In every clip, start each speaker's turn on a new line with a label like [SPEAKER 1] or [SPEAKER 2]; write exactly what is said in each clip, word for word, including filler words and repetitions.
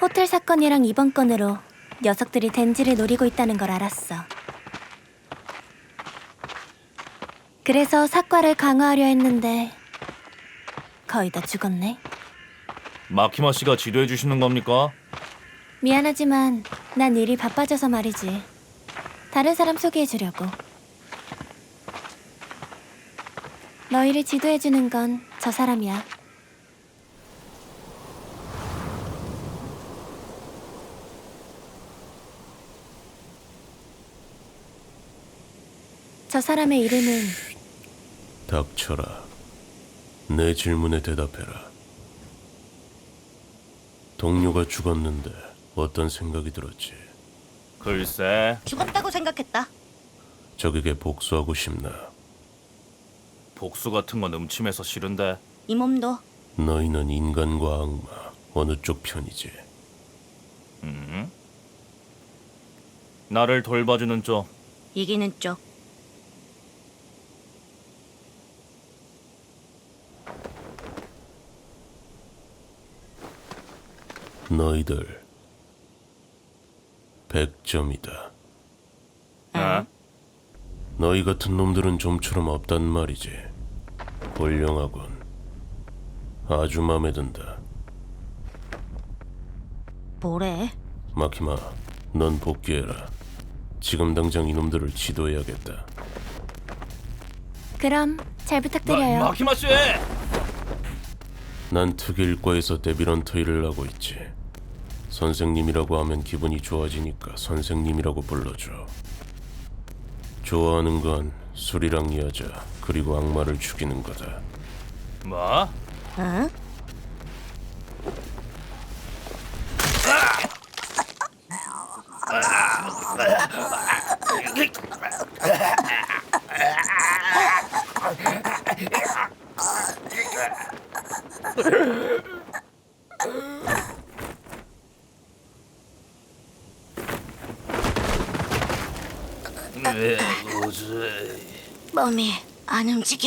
[SPEAKER 1] 호텔 사건이랑 이번 건으로 녀석들이 덴지를 노리고 있다는 걸 알았어. 그래서 사과를 강화하려 했는데 거의 다 죽었네.
[SPEAKER 2] 마키마 씨가 지도해 주시는 겁니까?
[SPEAKER 1] 미안하지만 난 일이 바빠져서 말이지. 다른 사람 소개해 주려고. 너희를 지도해 주는 건 저 사람이야. 저 사람의 이름은
[SPEAKER 3] 닥쳐라. 내 질문에 대답해라. 동료가 죽었는데 어떤 생각이 들었지?
[SPEAKER 2] 글쎄,
[SPEAKER 4] 죽었다고 생각했다.
[SPEAKER 3] 적에게 복수하고 싶나?
[SPEAKER 2] 복수 같은 건 음침해서 싫은데.
[SPEAKER 4] 이 몸도
[SPEAKER 3] 너희는 인간과 악마 어느 쪽 편이지?
[SPEAKER 2] 음? 나를 돌봐주는 쪽.
[SPEAKER 4] 이기는 쪽.
[SPEAKER 3] 너희들 백 점이다.
[SPEAKER 2] 어?
[SPEAKER 3] 너희 같은 놈들은 좀처럼 없단 말이지. 훌륭하군. 아주 마음에 든다.
[SPEAKER 4] 뭐래?
[SPEAKER 3] 마키마, 넌 복귀해라. 지금 당장 이놈들을 지도해야겠다.
[SPEAKER 1] 그럼 잘 부탁드려요.
[SPEAKER 2] 마, 마키마 씨!
[SPEAKER 3] 난 특일과에서 데빌런터 일을 하고 있지. 선생님이라고 하면 기분이 좋아지니까 선생님이라고 불러줘. 좋아하는 건 술이랑 여자, 그리고 악마를 죽이는 거다.
[SPEAKER 2] 뭐?
[SPEAKER 4] 응?
[SPEAKER 2] 왜 뭐지?
[SPEAKER 4] 몸이 안 움직여.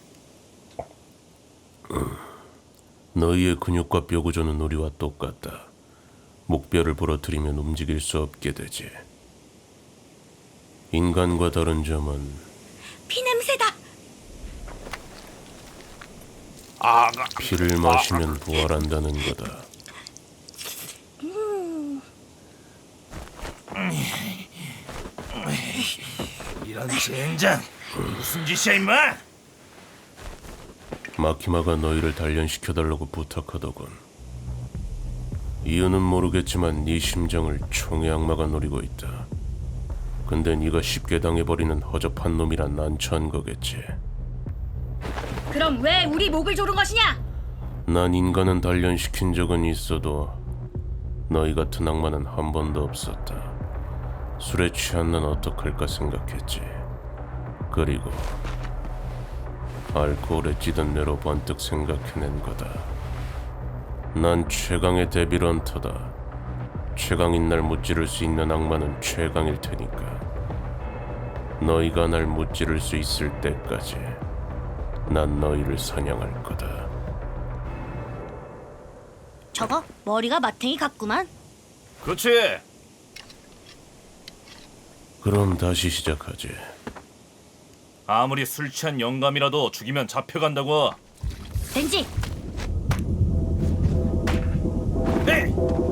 [SPEAKER 3] 너희의 근육과 뼈 구조는 우리와 똑같다. 목뼈를 부러뜨리면 움직일 수 없게 되지. 인간과 다른 점은
[SPEAKER 4] 피 냄새다.
[SPEAKER 2] 아,
[SPEAKER 3] 피를 마시면 부활한다는 거다.
[SPEAKER 2] 이런 젠장! 무슨 짓이야 임마!
[SPEAKER 3] 마키마가 너희를 단련시켜달라고 부탁하더군. 이유는 모르겠지만 네 심장을 총의 악마가 노리고 있다. 근데 네가 쉽게 당해버리는 허접한 놈이라 난처한 거겠지.
[SPEAKER 4] 그럼 왜 우리 목을 조른 것이냐?
[SPEAKER 3] 난 인간은 단련시킨 적은 있어도 너희 같은 악마는 한 번도 없었다. 술에 취한 난 어떡할까 생각했지. 그리고 알코올에 찌든 뇌로 번뜩 생각해낸 거다. 난 최강의 데빌런터다. 최강인 날 무찌를 수 있는 악마는 최강일 테니까. 너희가 날 무찌를 수 있을 때까지 난 너희를 사냥할 거다.
[SPEAKER 4] 저거 머리가 마탱이 같구만.
[SPEAKER 2] 그렇지!
[SPEAKER 3] 그럼 다시 시작하지.
[SPEAKER 2] 아무리 술 취한 영감이라도 죽이면 잡혀간다고.
[SPEAKER 4] 덴지,
[SPEAKER 2] 에이!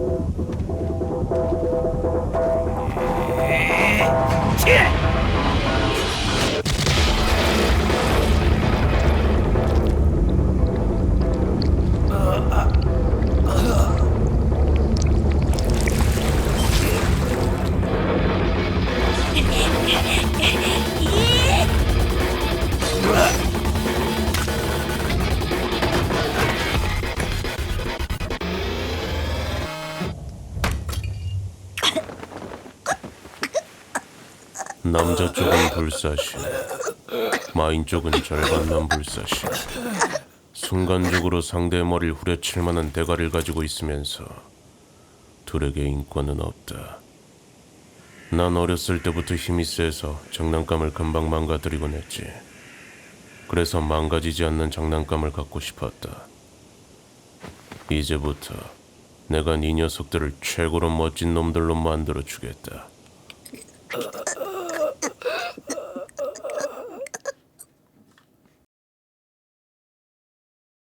[SPEAKER 3] 남자 쪽은 불사시, 마인 쪽은 절반만 불사시. 순간적으로 상대의 머리를 후려칠 만한 대가를 가지고 있으면서 둘에게 인권은 없다. 난 어렸을 때부터 힘이 세서 장난감을 금방 망가뜨리곤 했지. 그래서 망가지지 않는 장난감을 갖고 싶었다. 이제부터 내가 네 녀석들을 최고로 멋진 놈들로 만들어 주겠다.